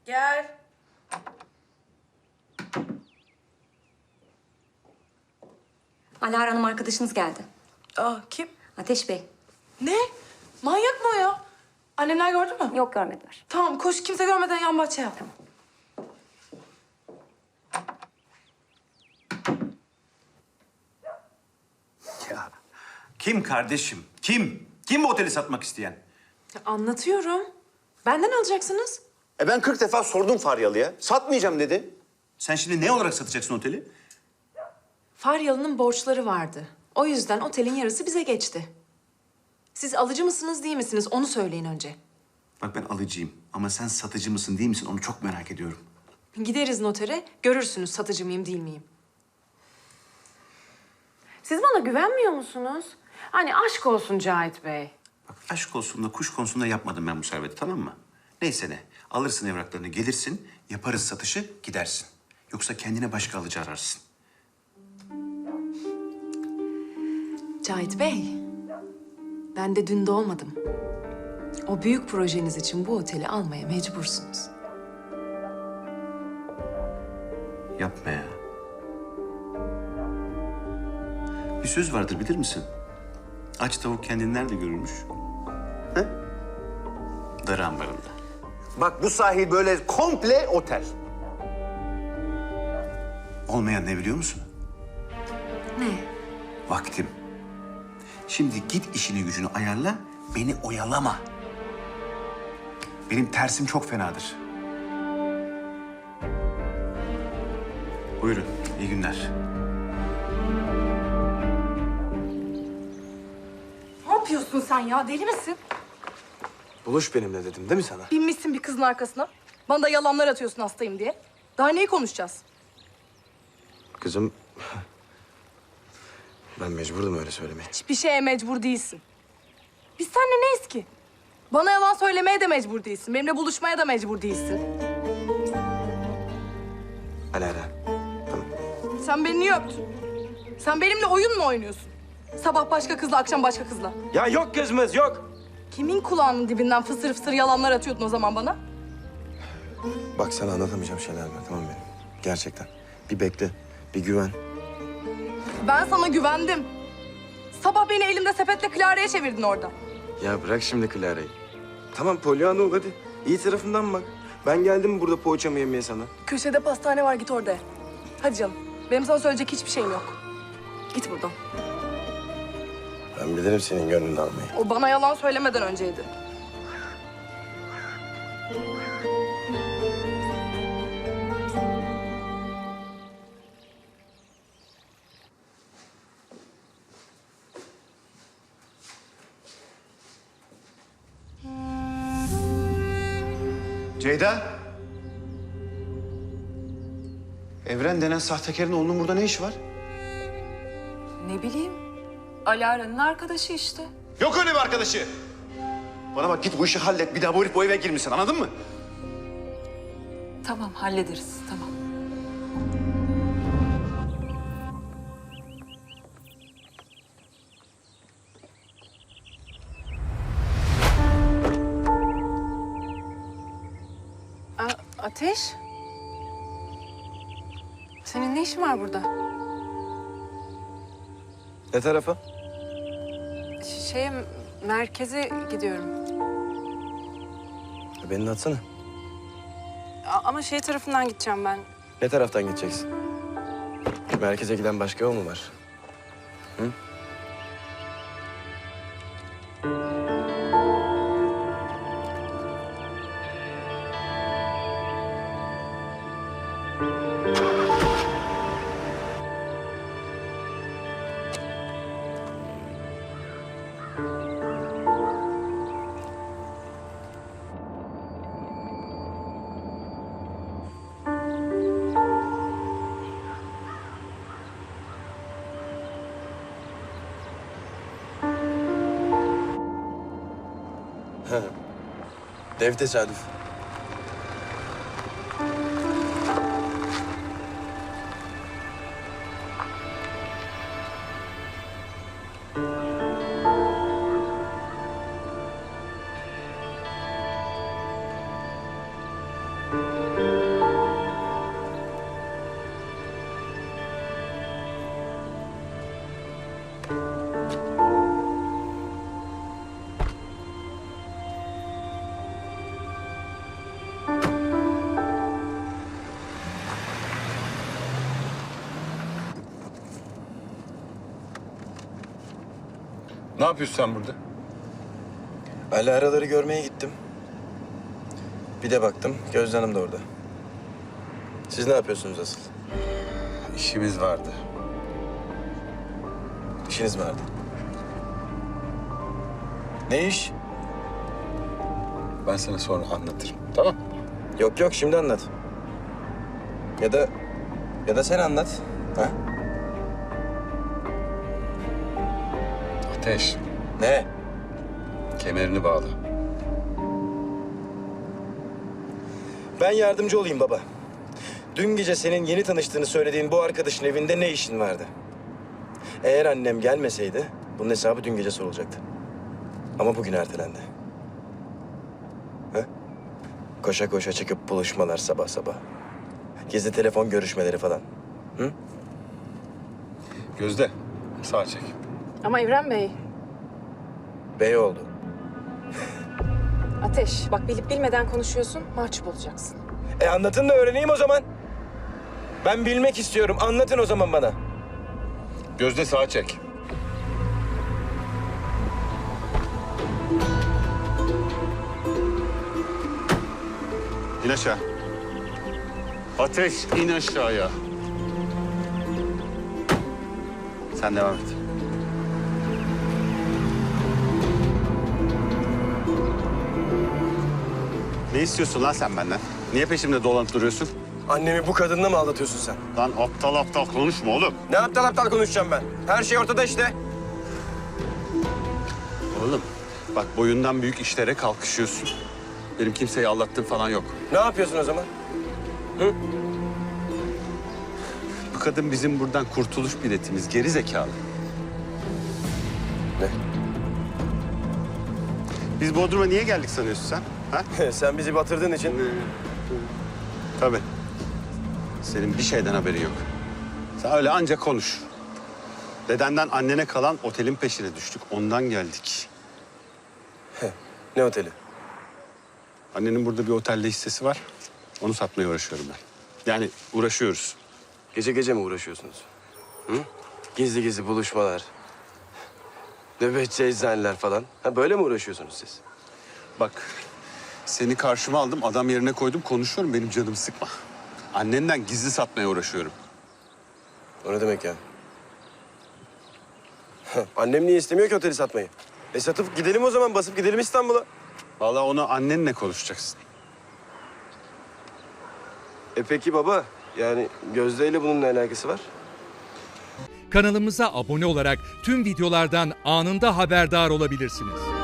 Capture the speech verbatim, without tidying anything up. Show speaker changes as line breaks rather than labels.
Gel.
Alara Hanım arkadaşınız geldi.
Aa, kim?
Ateş Bey.
Ne? Manyak mı o ya? Annemler gördü mü?
Yok, görmediler.
Tamam, koş kimse görmeden yan bahçe yap. Tamam.
Ya kim kardeşim? Kim? Kim bu oteli satmak isteyen?
Ya, anlatıyorum. Benden alacaksınız.
E ben kırk defa sordum Faryalı'ya. Satmayacağım dedi.
Sen şimdi ne olarak satacaksın oteli?
Faryalı'nın borçları vardı. O yüzden otelin yarısı bize geçti. Siz alıcı mısınız, değil misiniz? Onu söyleyin önce.
Bak ben alıcıyım ama sen satıcı mısın değil misin onu çok merak ediyorum.
Gideriz notere, görürsünüz satıcı mıyım, değil miyim? Siz bana güvenmiyor musunuz? Hani aşk olsun Cahit Bey.
Bak aşk olsun da kuş konusunda yapmadım ben bu serveti, tamam mı? Neyse ne, alırsın evraklarını, gelirsin, yaparız satışı, gidersin. Yoksa kendine başka alıcı ararsın.
Cahit Bey, ben de dün doğmadım. O büyük projeniz için bu oteli almaya mecbursunuz.
Yapma ya. Bir söz vardır, bilir misin? Aç tavuk kendini nerede görürmüş? He? Darı ambarında.
Bak bu sahil böyle komple otel.
Olmayan ne biliyor musun?
Ne?
Vaktim. Şimdi git işini gücünü ayarla, beni oyalama. Benim tersim çok fenadır. Buyurun, iyi günler.
Ne yapıyorsun sen ya? Deli misin?
Buluş benimle dedim değil mi sana?
Binmişsin bir kızın arkasına. Bana da yalanlar atıyorsun hastayım diye. Daha neyi konuşacağız?
Kızım... Ben mecburdum öyle söylemeye.
Hiçbir şeye mecbur değilsin. Biz seninle neyiz ki? Bana yalan söylemeye de mecbur değilsin. Benimle buluşmaya da mecbur değilsin.
Alara. Tamam.
Sen beni niye öptün? Sen benimle oyun mu oynuyorsun? Sabah başka kızla, akşam başka kızla.
Ya yok kızımız yok.
Kimin kulağının dibinden fısır fısır yalanlar atıyordun o zaman bana?
Bak sana anlatamayacağım şeyler var tamam benim. Gerçekten. Bir bekle. Bir güven.
Ben sana güvendim. Sabah beni elimde sepetle Clara'ya çevirdin orada.
Ya bırak şimdi Clara'yı. Tamam Pollyanna ol hadi. İyi tarafından bak. Ben geldim burada poğaçamı yemeye sana.
Köşede pastane var, git orada ye. Hadi canım. Benim sana söyleyecek hiçbir şeyim yok. Git buradan.
Ben bilirim senin gönlünü almayı.
O bana yalan söylemeden önceydi.
Ceyda. Evren denen sahtekarın oğlunun burada ne işi var?
Ne bileyim. Alara'nın arkadaşı işte.
Yok öyle bir arkadaşı. Bana bak git bu işi hallet. Bir daha bu herif bu eve girmesin, anladın mı?
Tamam, hallederiz. Tamam. A Ateş? Senin ne işin var burada?
Ne tarafa?
Ş- Şeye, merkeze gidiyorum.
Ya beni de atsana.
A- ama şey tarafından gideceğim ben.
Ne taraftan gideceksin? Merkeze giden başka yol mu var? Hı? Dev tesadüf.
Ne yapıyorsun sen burada?
Ali araları görmeye gittim. Bir de baktım Gözde Hanım da orada. Siz ne yapıyorsunuz asıl?
İşimiz vardı.
İşiniz vardı. Ne iş?
Ben sana sonra anlatırım. Tamam.
Yok yok şimdi anlat. Ya da ya da sen anlat. Ha?
Ateş,
Ne?
kemerini bağla.
Ben yardımcı olayım baba. Dün gece senin yeni tanıştığını söylediğin bu arkadaşın evinde ne işin vardı? Eğer annem gelmeseydi bunun hesabı dün gece sorulacaktı. Ama bugün ertelendi. Ha? Koşa koşa çıkıp buluşmalar sabah sabah. Gizli telefon görüşmeleri falan. Hı?
Gözde, sağa çek.
Ama Evren Bey,
Bey oldu.
Ateş bak bilip bilmeden konuşuyorsun, mahcup olacaksın.
E anlatın da öğreneyim o zaman. Ben bilmek istiyorum. Anlatın o zaman bana.
Gözde sağa çek.
İn aşağı. Ateş, in aşağıya. Sen devam et. Ne istiyorsun lan sen benden? Niye peşimde dolanıp duruyorsun?
Annemi bu kadınla mı aldatıyorsun sen?
Lan aptal aptal konuşma oğlum.
Ne aptal aptal konuşacağım ben? Her şey ortada işte.
Oğlum bak boyundan büyük işlere kalkışıyorsun. Benim kimseyi aldattığım falan yok.
Ne yapıyorsun o zaman?
Bu kadın bizim buradan kurtuluş biletimiz. Geri zekalı.
Ne?
Biz Bodrum'a niye geldik sanıyorsun sen? Ha?
Sen bizi batırdığın için.
Tabii. Senin bir şeyden haberin yok. Sen öyle anca konuş. Dedenden annene kalan otelin peşine düştük. Ondan geldik.
Ne oteli?
Annenin burada bir otelde hissesi var. Onu satmaya uğraşıyorum ben. Yani uğraşıyoruz.
Gece gece mi uğraşıyorsunuz? Hı? Gizli gizli buluşmalar. Nöbetçi eczaneler falan. Ha böyle mi uğraşıyorsunuz siz?
Bak seni karşıma aldım, adam yerine koydum, konuşuyorum. Benim canımı sıkma. Annenden gizli satmaya uğraşıyorum.
O ne demek ya? Annem niye istemiyor ki oteli satmayı? E satıp gidelim o zaman, basıp gidelim İstanbul'a.
Vallahi onu annenle konuşacaksın.
E peki baba, yani Gözde ile bunun ne alakası var?
Kanalımıza abone olarak tüm videolardan anında haberdar olabilirsiniz.